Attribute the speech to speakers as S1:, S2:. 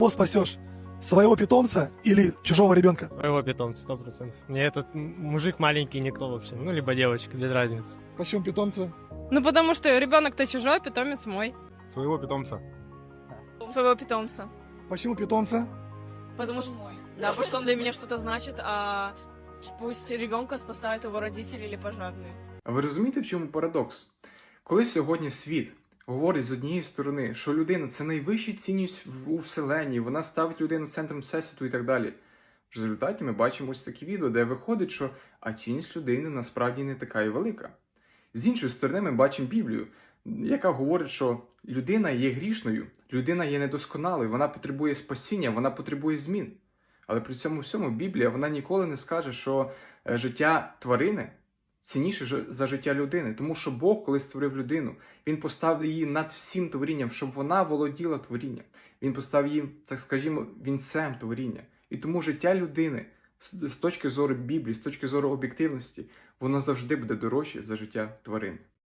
S1: Кого спасешь? Своего питомца или чужого ребенка?
S2: Своего питомца, 100%. Мне этот мужик маленький никто вообще. Ну, либо девочка, без разницы.
S1: Почему питомца?
S3: Ну, потому что ребенок-то чужой, питомец мой.
S4: Своего питомца.
S3: Своего питомца.
S1: Почему питомца?
S3: Потому что, да, потому что он для меня что-то значит, а пусть ребенка спасают его родители или пожарные.
S5: А ви розумієте, в чому парадокс? Коли сьогодні світ говорить з однієї сторони, що людина – це найвища цінність у Вселенні, вона ставить людину центром Всесвіту і так далі, в результаті ми бачимо ось такі відео, де виходить, що цінність людини насправді не така і велика. З іншої сторони, ми бачимо Біблію, яка говорить, що людина є грішною, людина є недосконалою, вона потребує спасіння, вона потребує змін. Але при цьому всьому Біблія, вона ніколи не скаже, що життя тварини цінніше за життя людини. Тому що Бог, коли створив людину, Він поставив її над всім творінням, щоб вона володіла творінням. Він поставив її, так скажімо, вінцем творіння. І тому життя людини з точки зору Біблії, з точки зору об'єктивності, воно завжди буде дорожче за життя тварини.